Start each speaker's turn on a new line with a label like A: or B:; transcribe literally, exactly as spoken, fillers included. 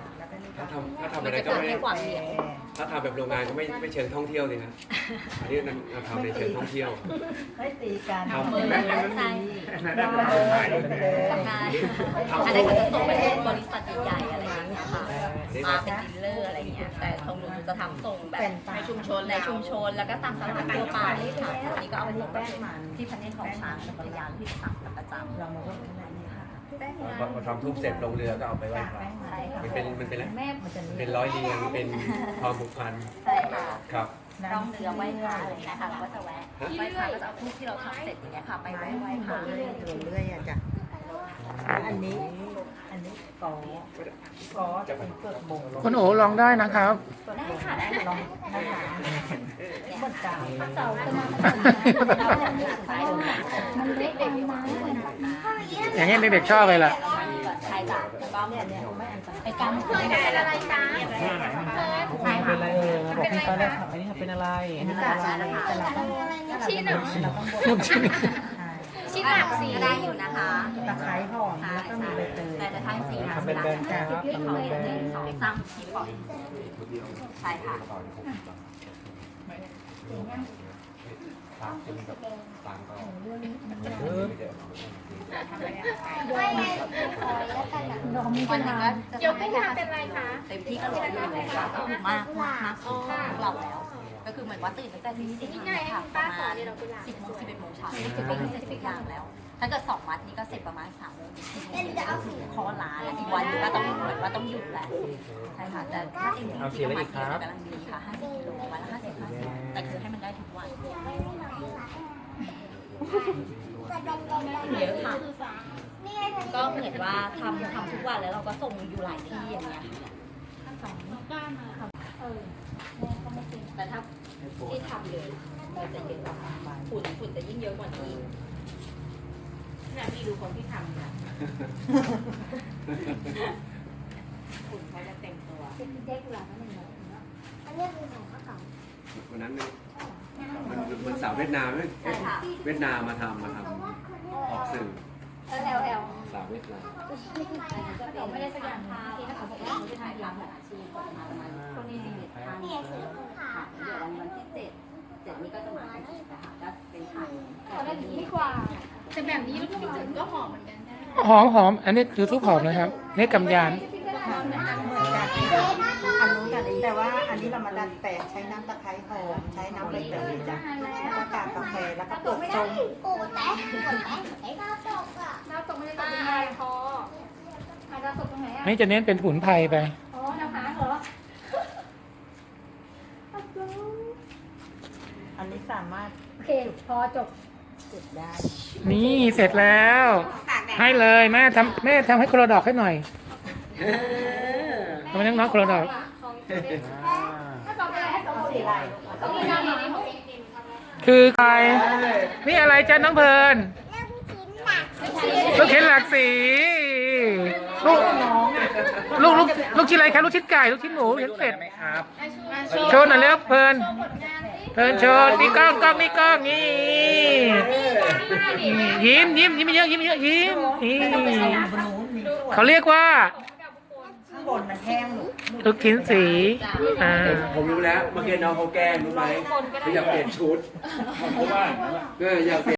A: ถ้าทำถ้าทำอะไรก็ไม่ถ้าทำแบบโรงงานก็ไม่ไม่เชิงท่องเที่ยวเลยนะอันนี้เราทำในเชิงท่องเที่ยว
B: ไม่ตีกัน
A: ทำ
C: มือ
A: แม่
C: ใช่
B: เราเลยเลย
C: ทำงานอันนั้นก็จะส่งไปเป็นบริษัทใหญ่ๆอะไรอย่างเงี้ยค่ะมาเป็นดีลเลอร์อะไรเงี้ยแต่ของหนูจะทำส่งแบบในชุมชนในชุมชนแล้วก็ตามตลาดทั่วไปค่ะอันนี้ก็เอาไปส่งที่พันเนตของช้างเป็นภรรยาที่สั่งประจำ
B: เรามาว่าเป็นอะไรค่ะ
A: พอทำทุบเสร็จลงเรือก็เอาไปไหว้พระมันเป็นมันเป็นอะไรเป็นร้อยเรียงเป็นความผูกพัน
C: ใช่ค่ะ
A: ครับ
C: ร่องเรือไหว้พระอะไรอย่างเงี้ยค่ะเราก็จะแวะไหว้พระก็จะเอาทูบที่เราทำเสร็จอย่างเงี้ยค่ะไปไหว้ไหว้พระ
B: เรื่อยๆเรื่อยๆอ่ะจ้ะอันนี้อันนี้กอกอจะเป็นเปลือกบง
D: คุณโอลองได้นะครับ
C: ได้ค่ะได้
B: ลองนะคะบนกลาง
C: เสาขึ้นมามันเล็กเด็กอยู่นะ
D: อย่างนี้เด็กๆชอบเลยล่ะ
C: ใช่จ้ะก็
B: เนี่ยเนี่ยไม่อันตราย
C: ไปกางมือเป็นอะไรจ๊ะใช่ค่ะ
E: เป็นอะไรเออบอกพี่ตอนแรกอันนี้เป็นอะไร
B: อันนี้ก็อะไรแต่เราต้อง
C: ชิ้นหนึ่ง
B: เราต้องบด
D: ชิ้น
B: ใช่
C: ชิ้นหลักสีได้อยู่นะคะ
B: ตะไคร้หอมแล้วก็มีใบเตย
C: แต่จะทั้งสี
E: ทำเป็นแบรนด์ครับ
C: ที่เขาหนึ่งสองสามที่ปล่อยใช่ค่ะ วันหนึงก็จะทำได้แค่เป็นไรคะเต็มที่ก็ร้อยโลค่ะก็คือมากมากมากสุดของเราแล้ว ก็คือเหมือนว่าตื่นตั้งแต่ตีสี่ค่ะประมาณสิบโมงสิบเอ็ดโมงเช้านี่คือก็เสร็จทุกอย่างแล้ว ถ้าเกิดสองมัดนี่ก็เสร็จประมาณสามโมงสี่โมงคอลาแล้วอีกวันนึงก็ต้องเหมือนว่าต้องหยุดแหละใช่ค่ะแต่ถ้าเต็มที่ประมาณกิโลกำลังดีค่ะห้าสิบกิโลวันละห้าสิบห้าสิบแต่คือให้มันได้ทุกวันเยอะค่ะก็เหมือนว่าทำทำทุกวันแล้วเราก็ส่งอยู่หลายที่อย่างเงี้ยแต่ถ้าที่ทำเลยมันจะเยอะกว่าฝุ่นฝุ่นจะยิ่งเยอะกว่านี้เนี่ยพี่ดูคนที่ทำเนี่ยฝุ่นเขาจะเต็มตัวเด็กหลังนั่นเองอันนี้คือของข้าว
A: วันนั้นเนี่ยมันมันสาวเวียดนามไหมเวียดนามมาทำมาทำออกสื่อ
C: แอลแอล
A: สาวเวียดนาม
C: เราไม่ได้สักอย่างค่ะที่เขาบอกว่าเขาจะถ่ายทำอาชีพประมาณประมาณช่วงนี้สิบเอ็ดท่านเดี๋ยววันวันที่เจ็ดเจ็ดนี้ก็จะมาเป็นอีกนะคะก็เป็นถ่ายแบบนี้ดีกว่า
F: แต่แบบนี้ลูกชิ้นก็หอมเหมือนกันนะ
D: หอมหอมอันนี้คือทุกหอมนะครับนี่กำยาน
B: เหมือนกันอันนู้นกันแต่ว่าอันนี้เรามาดัดแปลงใช้น้ำตะไคร้หอมใช้น้ำใบเตยจ้ะแล้วก็กากกาแฟแล้วก็เปลือกส้ม
F: ดาวตกไม่ได้ตกเป็นลายคอหาดาวตกตรงไหนอ่ะ
D: นี่จะเน้นเป็นผุนไพรไป
F: อ๋อดาวหางเหรอ
B: อันนี้สามารถ
F: โอเค พอจบ
B: จุดได้
D: นี่เสร็จแล้ว ให้เลยแม่ทำแม่ทำให้คนละดอกให้หน่อยทำไมน้องๆคนละดอก
F: ถ้าตอบไปให้ตอบ
B: สีอะไร
F: ตอบไปได้ดีหมด
D: คือใครนี่อะไรจ้าน้องเพลินลูกชิ้นหลากสีลูกลูกลูกลูกชิ้นอะไรครับลูกชิ้นไก่ลูกชิ้นหมูลูกชิ้นเป็ดโชว์หน่อยเร็วเพลินเพลินโชว์นี่กล้องกล้องนี่กล้องนี่ยิ้มยิ้มยิ้มเยอะยิ้มเยอะยิ้มนี่เขาเรียกว่า
B: ข้างบนมันแห้งหนู
D: ลูกชิ้นสีอ่า
A: ผมผมรู้แล้วเมื่อกี้น้องเขาแกล้งรู้ไหมเขาอยากเปลี่ยนชุดเพราะว่าเอออยากเปลี่ยน